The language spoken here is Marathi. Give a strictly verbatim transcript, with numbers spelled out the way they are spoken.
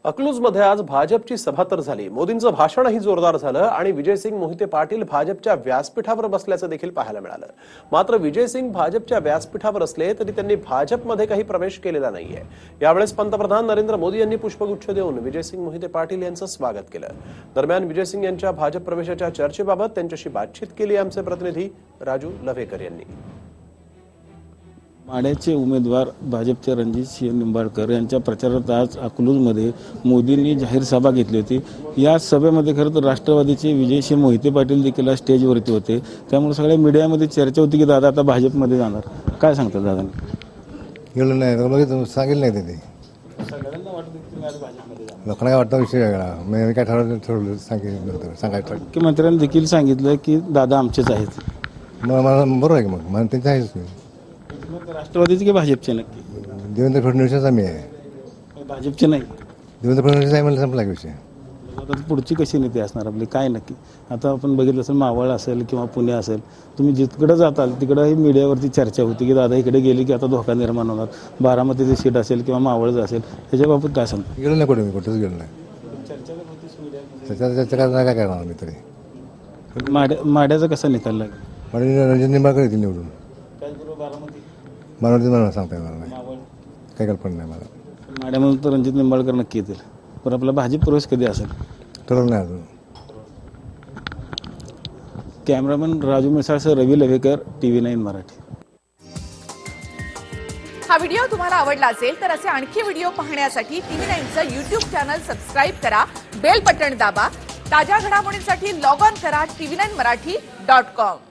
अकलूजमध्ये आज भाजपची सभा तर झाली, मोदींचं भाषणही जोरदार झालं आणि विजयसिंग मोहिते पाटील भाजपच्या व्यासपीठावर बसल्याचं देखील पाहायला मिळालं। मात्र विजयसिंग भाजपच्या व्यासपीठावर असले तरी त्यांनी भाजपमध्ये काही प्रवेश केलेला नाहीये। यावेळेस पंतप्रधान नरेंद्र मोदी यांनी पुष्पगुच्छ देऊन विजयसिंग मोहिते पाटील यांचं स्वागत केलं। दरम्यान विजयसिंग यांच्या भाजप प्रवेशाच्या चर्चेबाबत त्यांच्याशी बातचीत केली आमचे प्रतिनिधी राजू लव्हेकर यांनी। माढ्याचे उमेदवार भाजपचे रणजितसिंह निंबाळकर यांच्या प्रचारात आज अकलूजमध्ये मोदींनी जाहीर सभा घेतली होती। या सभेमध्ये खरं तर राष्ट्रवादीचे विजयसिंह मोहिते पाटील देखील स्टेजवरती होते, त्यामुळे सगळ्या मीडियामध्ये चर्चा होती की दादा आता भाजपमध्ये जाणार। काय सांगतात दादांनी? गेलं नाही बघितलं सांगितलं नाही ते सगळ्यांना वाटतं की तुम्ही आज भाजपमध्ये जाणार, लोकांना काय वाटतं विषय वेगळा, मी काय ठरवलं ठरवलं सांगितलं सांगायचं। मुख्यमंत्र्यांनी देखील सांगितलं की दादा आमचेच आहेत। मग मला बरोबर आहे की मग मला त्यांचं आहेच मी राष्ट्रवादीचे की भाजपचे? नक्की देवेंद्र फडणवीसचा मी आहे, भाजपचे नाही। देवेंद्र फडणवीस आहे मला संपला विषय। आता पुढची कशी नीती असणार आपली काय नक्की? आता आपण बघितलं असेल मावळ असेल किंवा पुणे असेल, तुम्ही जिकडे जाताल तिकडंही मीडियावरती चर्चा होती की दादा इकडे गेली की आता धोका निर्माण होणार। बारामतीची सीट असेल किंवा मावळच असेल, त्याच्याबाबत काय सांगतो? गेलो नाही कुठे, मी कुठेच गेलो नाही। त्याच्या चर्चा काय काय करणार मी तरी। माड्या माड्याचा कसा निकाल लागेल? म्हणजे रणजित निंबाळकर येतील निवडून। बारामती बारामती मला सांगता येणार नाही, काही कल्पना नाही मला। माड्यामधून तर रणजित निंबाळकर नक्की येतील, पण आपला भाजप प्रवेश कधी असेल ठरवलं नाही अजून। कॅमेरामन राजू मिसाळसह रवी लव्हेकर, टीव्ही नाईन मराठी। हा व्हिडिओ तुम्हाला आवडला असेल तर असे आणखी व्हिडिओ पाहण्यासाठी टीव्ही नाईनचं यूट्यूब चॅनल सबस्क्राईब करा, बेल बटण दाबा। ताज्या घडामोडींसाठी लॉग ऑन करा TV nine Marathi dot com.